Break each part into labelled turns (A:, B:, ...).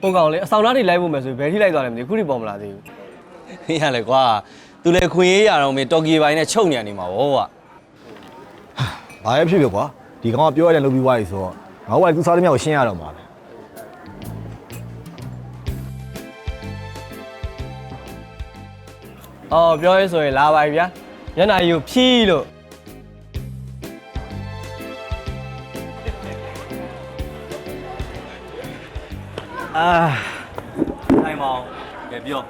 A: ဟိုကောင်လေအဆောင်သားတွေလိုက်ဖို့မယ်ဆိုဘယ်ထိလိုက်သွားလဲမသိဘူးခုထိပေါ်မလာသေးဘူး
B: မင်းရလေကွာသူလည်းခွင့်ရေးရတော့မင်းတော်ကီပိုင်းနဲ့ချုပ်နေမှာဗောကွာ
C: ဘာပဲဖြစ်ဖြစ်ကွာဒီကောင်ကပြောရတယ်လုပ်ပြီးသွားပြီဆိုတော့ငါ့ဘဝသူစားသမျှကိုရှင်းရတော့မှာပဲ
A: အော်ပြောရဲဆိုရင်လာပါပြီဗျာညနာကြီးကိုဖြီးလို့
B: ထိုင်မောင်ကဲပြော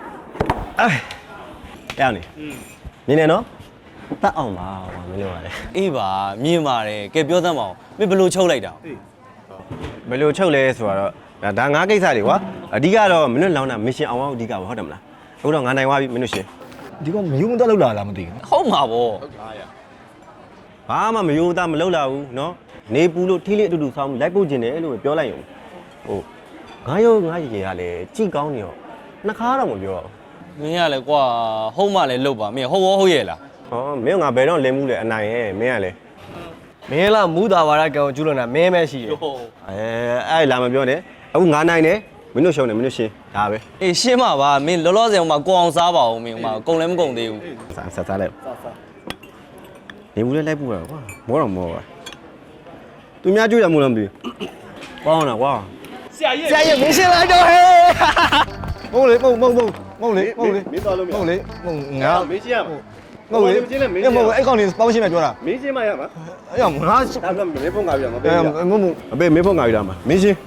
D: အဲ့ရနေနေနေနော်တတ်အောင်ပါကွာမင်းတို့ကလေ
B: အေးပါမြင်ပါတယ်ကဲပြောသမ်းပါအောင်မင်းဘယ်လိုချုပ်လိုက်တာ
D: ဘယ်လိုချုပ်လဲဆိုတော့ဒါငါးကိစ္စတွေကွာအဓိကတော့မင်းတို့လောင်းတာမစ်ရှင်အောင်အောင်အဓိကပဲဟုတ်တယ်မလားအခုတော့ငါနိုင်သွားပြီမင်းတို့ရှင်
C: ဒီကောင်မယုံမတတ်လို့လာလားမသိဘူး
B: ဟုတ်မှာဗော
D: ဘာမှမယိုးသားမလုပ်လာဘူးနော်နေပူလို့ထီးလေးအတူတူဆောင်းလိုက်ပုတ်ကျင်တယ်လို့ပြောလိုက်ရုံဟိုငါရောငါရေကလည်းကြိကောင်းနေရောနှစ်ခါတော့မပြော
B: မင်းရလေကွာဟုတ်မှလည်းလုပ်ပါမင်းဟုတ်ရောဟုတ်ရဲ့လား
D: ဟောမင်းကငါဘယ်တော့လင်းမှုလဲအနိုင်ရဲ့မင်းကလေ
A: မင်းလားမူတာဝါရကံကိုကျူးလွန်တာမင်းပဲရှိတယ်
D: အဲ့လာမပြောနဲ့အခုငါနိုင်တယ်မင်းတို့ရှုံးတယ်မင်းတို့ရှင်ဒါပဲ
B: အေးရှင်းပါပါမင်းလောလောဆယ်ဟိုမှာကိုအောင်စားပါဦးမင်းဟိုမှာကုံလည်းမကုံသေးဘူး
D: စားလိုက်နေဘူးလဲလိုက်ပူရကွာမောတော့မောပါသူများကြွရမို့လားမသိဘူးပေါင်းတာကွာ
A: ဆရာကြီးမင်းရှင်းလိုက်တော့ဟဲ့
C: မဟုတ်လေမဟုတ်လေမဟုတ်လေ
D: မင်းသွားလို့မရ
C: မဟုတ်လေမဟုတ်ငါ
D: မင်းရှင်းရမှာ
C: မဟုတ်လေမဟုတ်အဲ့ကောင်လေးပေါင်းရှင်းမယ်ပြောတာ
D: မင်းရှင်းမရမှာ
C: အဲ့ကောင်ငါ
D: ဒါကမင်းဖုန်းငါပြရမှာပေးရ
C: မဟုတ်
D: အဖေမင်းဖုန်းငါပြရမှာမင်းရှင်း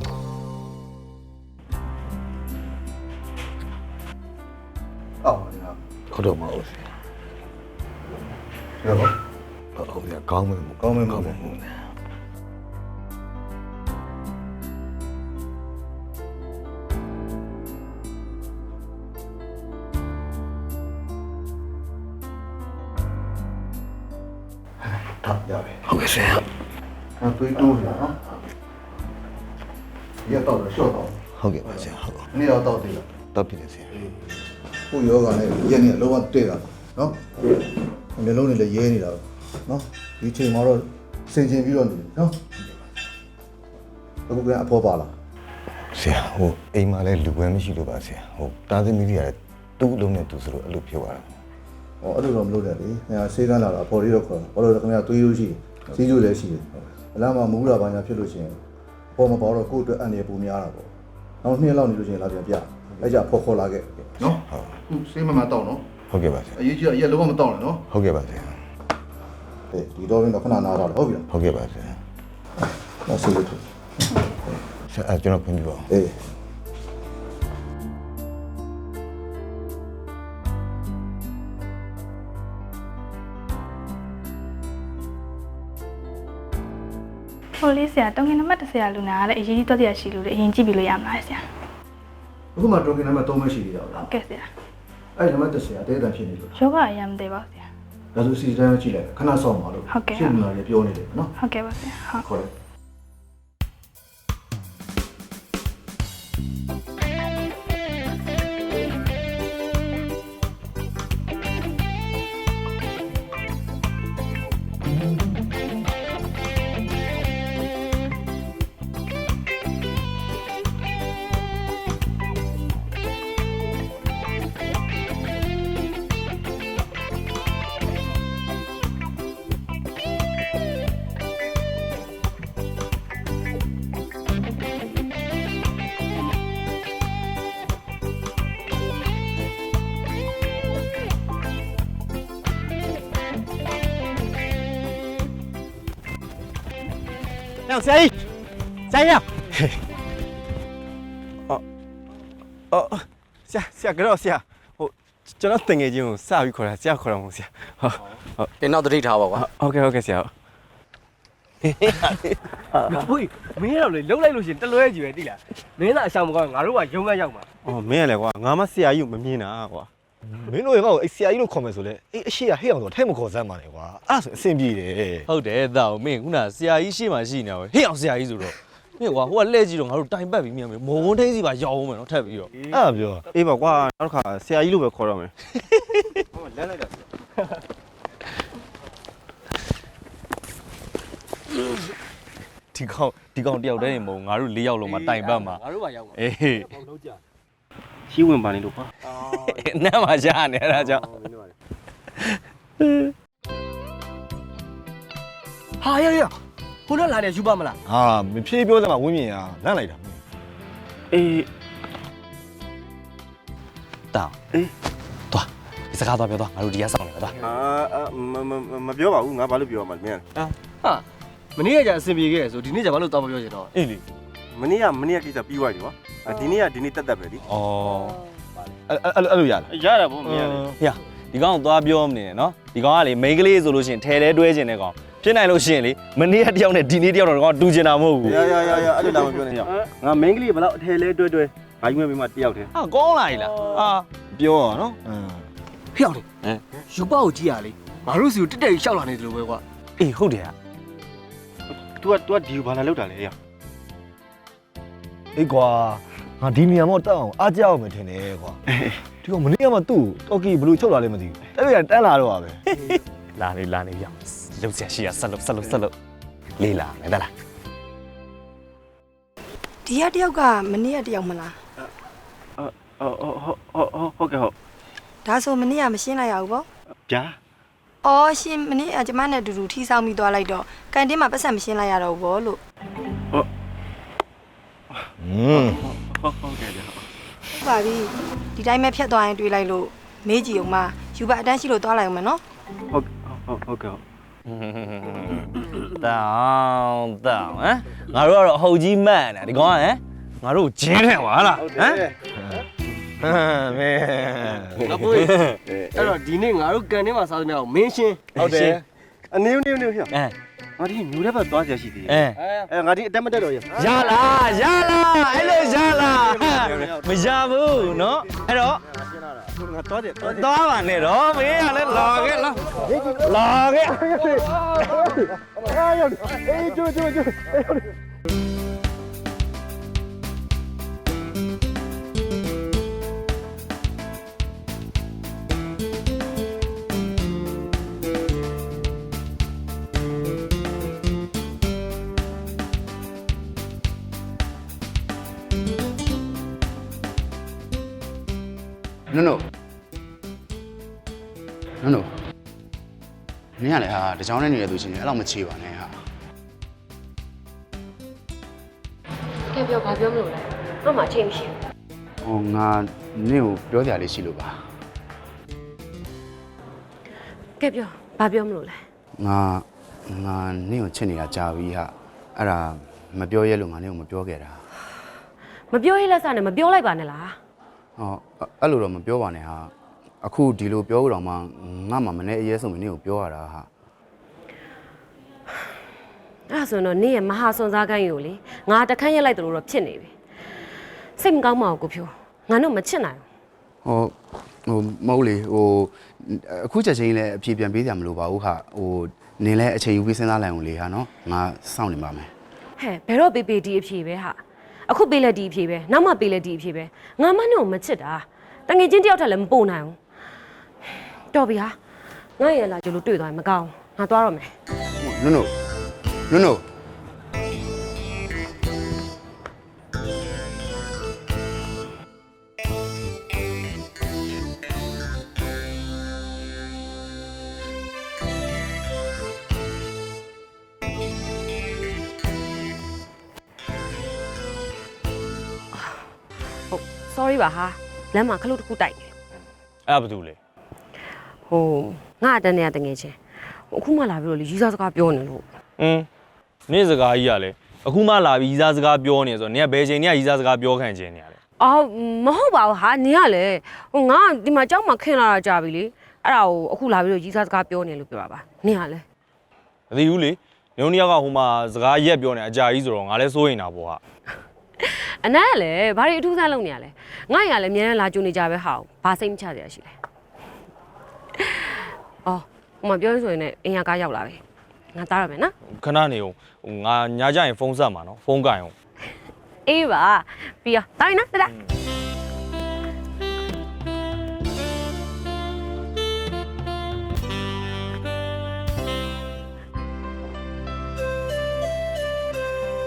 C: အော်ခေါ်တော့မဟုတ်ဘူးရပါဟုတ်ရကောင်းမယ်ကောင်းမယ်ကောင်းမယ်ထောက်ရပြီဟုတ်ကဲ့ဆရာအဲ့တွေးတိုးနေတာနော်ရတော့ရှော့တော့ဟုတ်ကဲ့ပါဆရာဟုတ်ကဲ့နေ့တော့တော့တည်လားတော့တည်တယ်ဆရာဟိုယောဂနဲ့ရက်နေ့လောကတည့်တာနော်မျိုးလုံးတွေလည်းရဲနေတာနော်ဒီချိန်မှာတော့စင်ကျင်ပြီးတော့နေနော်အခုကအဖော်ပါလားဆရာဟိုအိမ်မှာလည်းလူပွဲမရှိလို့ပါဆရာဟိုတားသမီးတွေကတူးလုံးနဲ့တူဆိုလို့အဲ့လိုဖြစ်သွားတာဟောအဲ့လိုတော့မလုပ်နဲ့လေခင်ဗျာဆေးကန်းလာတာအဖော်လေးတော့ခေါ်ဘာလို့လဲခင်ဗျာသွေးလို့ရှိစီးကျိုးလည်းရှိတယ်အလားမှမူးလာပါညာဖြစ်လို့ရှိရင်ပေါ်မပေါ်တော့ကိုယ့်အတွက်အန်ရပူများတာပေါ့နောက်2ရက်လောက်နေလို့ရှိရင်လာပြန်ပြအဲ့ကြဖော်ခေါ်လာခဲ့နော်ဟုတ်ဆေးမမတောက်နော်ဟုတ်ကဲ့ပါဆရာအရေးကြီးအရက်လုံးဝမတောက်နဲ့နော်ဟုတ်ကဲ့ပါဆရာအေးဒီတော့ရင်တော့ခဏနားတော့ဟုတ်ပြီလားဟုတ်ကဲ့ပါဆရာနောက်ဆေးလို့ဆရာကျွန်တော်ခွင့်ပြုပါအေး
E: ဟိုလေးဆရာတုံးငင်နံပါတ်10ဆရာလူနာကလည်းအရေးကြီးတော့တရားရှိလို့လေအရင်ကြည့်ပြီးလို့ရမလားဆရာ
F: အခုမှတိုကင်နံပါတ်3မရှိသေးတာဟုတ်လား
E: ဟုတ်ကဲ့ဆရာ
F: အဲ့နံပါတ်10အသေးအတန်ဖြစ်နေလို့
E: ယောဂအရင်မသေးပါဘူးဆရာ
F: ဒါဆိုစီတိုင်းကြည့်လိုက်ခဏဆောင်းပါလို့ရှင်းလာရပြောနေတယ်နော်
E: ဟုတ်ကဲ့ပါဆရာဟုတ်
F: ခေါ်လိုက်
D: နောက်ဆရာကြီးဆရာကြီးအော်ဆရာကတော့ဆရာဟိုကျွန်တော်တင်ငယ်ချင်းကိုစပြီးခေါ်တာဆရာခေါ်တော့မဟုတ်ဆရာဟုတ်
B: တင်းတော့တတိထားပါကွာ
D: ဟုတ်ကဲ့ဆရာ
A: ဟိုမင်းတော့လေလှုပ်လိုက်လို့ရှင်တလွဲကြီးပဲတိလားမင်းသာအဆောင်မကောင်းငါတို့ကရုံးကရောက်မှာ
D: အော်မင်းရလေကွာငါမဆရာကြီးကိုမမြင်တာကွာ
C: မင်းတို့ရေကောအဲ့ဆရာကြီးလို့ခေါ်မယ်ဆိုလဲအေးအရှိရဟဲ့အောင်ဆိုထဲမခေါ်စမ်းပါနဲ့ကွာအဲ့ဆိုအဆင်ပြေတယ်
B: ဟုတ်တယ်သားမင်းခုနဆရာကြီးရှေ့မှာရှိနေတာပဲဟေ့အောင်ဆရာကြီးဆိုတော့မင်းကွာဟိုကလှည့်ကြည့်တော့ငါတို့တိုင်ပတ်ပြီးမြင်မယ်မော်ဝန်းထိန်းစီပါရောက်အောင်မယ်နော်ထပ်ပြီးတော့
C: အဲ့ဒါပြော
D: အေးပါကွာနောက်တစ်ခါဆရာကြီးလို့ပဲခေါ်တော့မယ်ဟောလမ်းလိုက်တာ
B: ဒီကောင်တယောက်တည်းနေမဟုတ်ငါတို့၄ယောက်လုံးမှာတိုင်ပတ်မှာ
A: ငါတို့ပါရောက်မှာ
B: အေး
A: ဘောလုံးကြ
D: ရှိဝင်ပါနေလို့ကွာ
B: နတ်မှာရှာနေအဲ့ဒါကြောင့်
A: ဟာရရခုနလာနေယူပါမလား
C: ဟာမဖြေးပြောစမ်းမှာဝင်းမြင်ရလန့်လိုက်တာ
D: အေး
B: တောင်းအေးသွားဒီစကားသွားပြောသွားငါတို့ဒီကစောင့်နေတာသွား
D: မပြောပါဘူးငါဘာလို့ပြောရမှာလဲမင်း
A: ဟာမနေ့ကကြာအဆင်ပြေခဲ့ဆိုဒီနေ့ကြာဘာလို့တောင်းမပြောချင်တော့
B: အေးလေ
D: မနေ့ကကိစ္စပြီးသွားပြီကွာဒီနေ့တက်ပဲလी
B: ဩ
C: အဲ့လိုရလား
D: ရတာဗောမင်း
B: ဟေ့ဒီကောင်သွားပြောမနေနဲ့နော်ဒီကောင်ကလေမိန်းကလေးဆိုလို့ရှိရင်ထဲထဲတွဲကျင်တဲ့ကောင်ဖြစ်နိုင်လို့ရှိရင်လေမနေ့ကတယောက်နဲ့ဒီနေ့တယောက်တော့ကောင်တူကျင်တာမဟုတ်ဘူး
D: ရအဲ့လိုတောင်မပြောနဲ့ရငါ main ကလေးဘယ်တော့အထယ်လဲတွဲငါယူမဲ့မိမတယောက်တည်း
B: ဟာကောင်းလာပြီလားဟာ
C: ပြောရနော်
A: ဖျောက်နေယူပါကိုကြည့်ရလေငါတို့စီကိုတက်တက်ရှောက်လာနေတယ်လို့ပဲကွာ
B: အေးဟုတ်တယ်ဟာ
D: तू ကဒီကိုဘာလာလောက်တာလဲရ
C: အေးကွာငါဒီနေရာမှာတက်အောင်အားကြအောင်မယ်ထင်တယ်ကွာဒီကမနေ့ကမှသူ့တော်ကီဘလူးချုပ်လာလဲမသိဘူးအဲ့ဒါတန်းလာတော့ပါပဲ
B: လာနေပြောင်းလှုပ်ဆက်ရှိရဆက်လို့လေးလာမယ်ဒါလား
G: ဒီရတယောက်ကမနေ့ကတယောက်မလား
D: ဟုတ်ကဲ့ဟုတ်
G: ဒါဆိုမနေ့ကမရှင်းလိုက်ရဘူးပေါ့
D: ဂျာ
G: အော်ရှင်းမနေ့ကကျမနဲ့အတူတူထီဆောင်ပြီးသွားလိုက်တော့ကန်တင်းမှာပတ်စံမရှင်းလိုက်ရတော့ဘူးပေါ့လို့
D: ဟုတ်ကဲ့ဗျာ
G: ဟုတ်ပါပြီဒီတိုင်းပဲဖြတ်သွားရင်တွေးလိုက်လို့မေးကြည့်အောင်မယူပါအတန်းရှိလို့သွားလိုက်အောင်မယ်နော်
D: ဟုတ်ကဲ့
B: တောင်းဟမ်ငါတို့ကတော့အဟုတ်ကြီးမှန်တယ်ဒီကောင်ကဟမ်ငါတို့ဂျင်းတယ်ဟာလားဟမ်
C: ဟမ်မဲ
A: ငါပွေးအဲ့တော့ဒီနေ့ငါတို့ကန်ထဲမှာစားသမျှကိုမင်းရှင်း
C: ဟုတ်တယ်
D: အနေနဲ့ဟဲ့
B: အဲ
D: ငါဒီမျိုးတဲ့ဘက်သွားကြရှိသေးတယ်
B: အဲ
D: ငါဒီအတက်မတက်တော့ရ
B: ရလားအဲ့လိုရလားမရဘူးเนาะအဲ့တော့
D: ငါသွားတယ်
B: သွားပါနဲ့တော့မင်းကလည်းလာခဲ့လာခဲ့
H: နုနုနင်ကလည်းဟာတကြောင်နဲ့နေတဲ့သူချင်းလည်းအဲ့လောက်မချေပါနဲ့ဟာ
I: ကဲပြောဘာပြောမလို့လဲတော့မှအချိန်မရှိ
H: ဟိုငါနင့်ကိုပြောကြလေးရှိလို့ပါ
I: ဘူးကဲပြောဘာပြောမလို့လဲ
H: ငါနင့်ကိုချစ်နေတာကြာပြီဟာအဲ့ဒါမပြောရဲလို့ငါနင့်ကိုမပြောခဲ့တာ
I: မပြောရေးလက်စနဲ့မပြောလိုက်ပါနဲ့လား
H: ဟောအဲ့လိုတော့မပြောပါနဲ့ဟာအခုဒီလိုပြောကြတော့မှငါမှမနဲ့အရေးဆုံးမနင့်ကိုပြောရတာဟာ
I: အဲ့ဒါဆိုတော့နင့်ရဲ့မဟာစွန်စားကိုင်းကိုလေငါတခန်းရက်လိုက်တယ်လို့တော့ဖြစ်နေပြီစိတ်မကောင်းပါဘူးကိုဖြိုးငါတို့မချစ်နိုင်ဘူး
H: မဟုတ်လေဟိုအခုချက်ချင်းလည်းအပြေပြန်ပေးကြမလို့ပါဘူးဟာဟိုနင်လည်းအချိန်ယူပြီးစဉ်းစားလိုက်အောင်လေဟာနော်ငါစောင့်နေပါမယ်
I: ဟဲ့ဘယ်တော့ပေးပေးဒီအဖြေပဲဟာအခုပေးလက်ဒီအဖြေပဲနောက်မှပေးလက်ဒီအဖြေပဲငါမနဲ့ကိုမချစ်တာတငယ်ချင်းတယောက်ထက်လည်းမပို့နိုင်ဘူးတော်ပြီဟာငါရလာကြလို့တွေ့သွားရင်မကောင်းငါသွားတော့မယ်
H: နုနု
I: ဟုတ် sorry ပါဟာလမ်းမှာခလုတ်တစ်ခုတိုက်နေ
B: အဲ့ဘာတူလဲ
I: ဟိုငါအတန်းနဲ့တငယ်ချင်းအခုမှလာပြီးတော့လေရီးစားစကားပြောနေလို့
B: နေ့စကားကြီးကလည်းအခုမှလာပြီးရီးစားစကားပြောနေဆိုတော့နင်ကဘယ်ချိန်နင်ကရီးစားစကားပြောခံခြင်းနေရလဲ
I: အော်မဟုတ်ပါဘူးဟာနင်ကလေဟိုငါဒီမှာကြောက်မှခင်းလာတာကြာပြီလေအဲ့ဒါကိုအခုလာပြီးတော့ရီးစားစကားပြောနေလို့ပြောတာပါနင်ကလေ
B: မသိဘူးလေနင်တို့နှစ်ယောက်ကဟိုမှာစကားရက်ပြောနေအကြာကြီးဆိုတော့ငါလည်းစိုးရင်တာပေါ့ဟာ
I: အနက်ကလေဘာတွေအထူးဆန်းလုပ်နေရလဲငါ့ရလည်းအများနဲ့လာကြုံနေကြပဲဟာဘာစိတ်မချစရာရှိလဲအော်ဟိုမှာပြောဆိုရင်လည်းအင်ရကားရောက်လာပြီငါသားရမယ်နော်
B: ခဏနေအောင်ဟိုငါညကြရင်ဖုန်းဆက်မှာနော်ဖုန်းကင်အောင်
I: အေးပါပြီးတော့တိုင်းနော်တဒါ
B: ဟ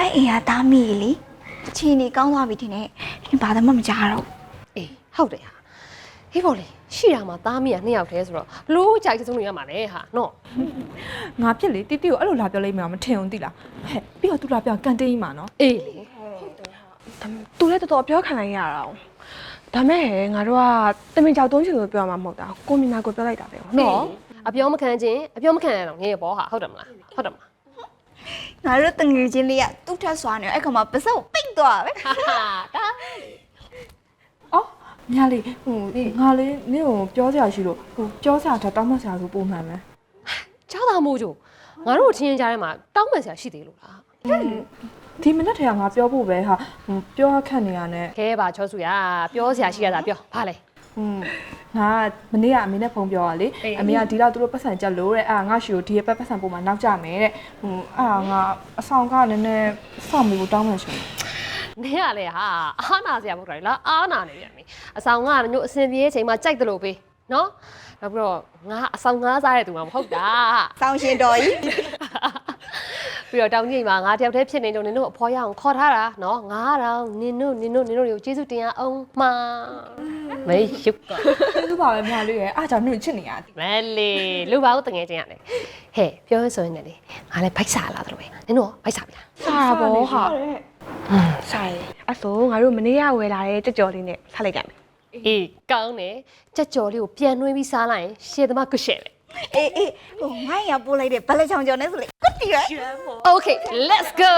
J: ပဲအိမ်ကသားမိလေအချင်းနေကောင်းသွားပြီထင်တယ်ဒီဘာမှမကြားတော့
I: အေးဟုတ်တယ်ဟာဟေးပေါ်လေရှိရမှာသားမီးက2ယောက်တည်းဆိုတော့ဘလို့ကြိုက်စုံနေရမှာလေဟာနော်
K: ငါဖြစ်လေတီတီကိုအဲ့လိုလာပြောလိုက်မှမထင်ဘူးတိလားဟဲ့ပြီးတော့သူလာပြောကန်တင်းကြီးမှာနော်
I: အေးလေ
L: သူလည်းတော်တော်ပြောခံလိုက်ရတာ။ဒါမဲ့ငါတို့ကတမင်ကြောက်တုံးချင်လို့ပြောမှာမဟုတ်တာ။ကိုမီနာကိုပြောလိုက်တာပဲ။
I: နော်အပြောမခံခြင်းအပြောမခံရတော့ငယ်ပေါ်ဟာဟုတ်တယ်မလားဟုတ်တယ်မလား
J: ငါတို့တငယ်ချင်းလေးကသူ့ထက်စွာနေအဲ့ကောင်မှပစောက်ပိတ်သွားပဲ
I: ဟာဒါ
K: အော်ညာလေးဟိုငါလေးနင့်ကိုပြောစရာရှိလို့ဟိုပြောစရာထတောင်းမစရာဆိုပုံမှန်ပဲ
I: เจ้าသားမိုးချိုငါတို့ချင်းချင်းကြားထဲမှာတောင်းပန်စရာရှိသေးလို့လား
K: ဒီမနေ့ထဲကငါပြောဖို့ပဲဟာဟိုပြောခက်နေရနဲ့
I: ခဲပါချောစုရပြောစရာရှိရတာပြောဘာလဲ
K: ငါမနေ့ကအမေနဲ့ဖုန်းပြောရလေအမေကဒီတော့သူတို့ပတ်စံကြက်လို့တဲ့အာငါရှိကိုဒီရဲ့ပတ်စံပုံမှာနောက်ကြမယ်တဲ့ဟိုအာငါအဆောင်ကနည်းနည်းစောင့်မှုတောင်းမှရှင်
I: နင်ကလေဟာအားနာစရာမဟုတ်တာလေလားအားနာနေပြန်ပြီအဆောင်ကညို့အစင်ပြေးချိန်မှာကြိုက်တယ်လို့ပေးနော်နောက်ပြီးတော့ငါအဆောင်ငါးစားတဲ့သူမှမဟုတ်တာ
J: စောင်းရှင်တော်ကြီး
I: ပြီးတော့တောင်းကြီးမှာငါတယောက်တည်းဖြစ်နေတော့နင်တို့အဖေါ်ရအောင်ခေါ်ထားတာနော်ငါတော့နင်တို့တွေကိုကျေးဇူးတင်ရအောင်မှာမေးရုပ်က
K: သူပါပဲမလေးရဲ့အားကြောင့်နင့်ချစ်နေရသည်
I: မဲလေလူပါဦးတငယ်ချင်းရတယ်ဟဲ့ပြောရဆိုရင်လည်းငါလည်းဘိုက်စားလာတယ်လို့ပဲနင်တို့ဘိုက်စားပြီလား
L: စားတာပေါ့ဟာစားရအဆိုငါတို့မနေ့ကဝယ်လာတဲ့ကြက်ကြော်လေးနဲ့စားလိုက်ကြမယ်
I: အေးကောင်းတယ်ကြက်ကြော်လေးကိုပြန်နှွှဲပြီးစားလိုက်ရင်ရှေ့သမားကရှယ်ပဲ
J: အေးဟိုငါရပို့လိုက်တဲ့ဘလက်ချောင်ကျော်နဲ့ဆိုလေကွတ်တီရ
I: Okay let's go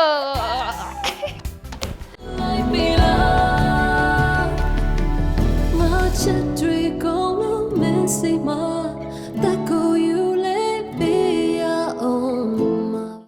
M: Much a trick on the messy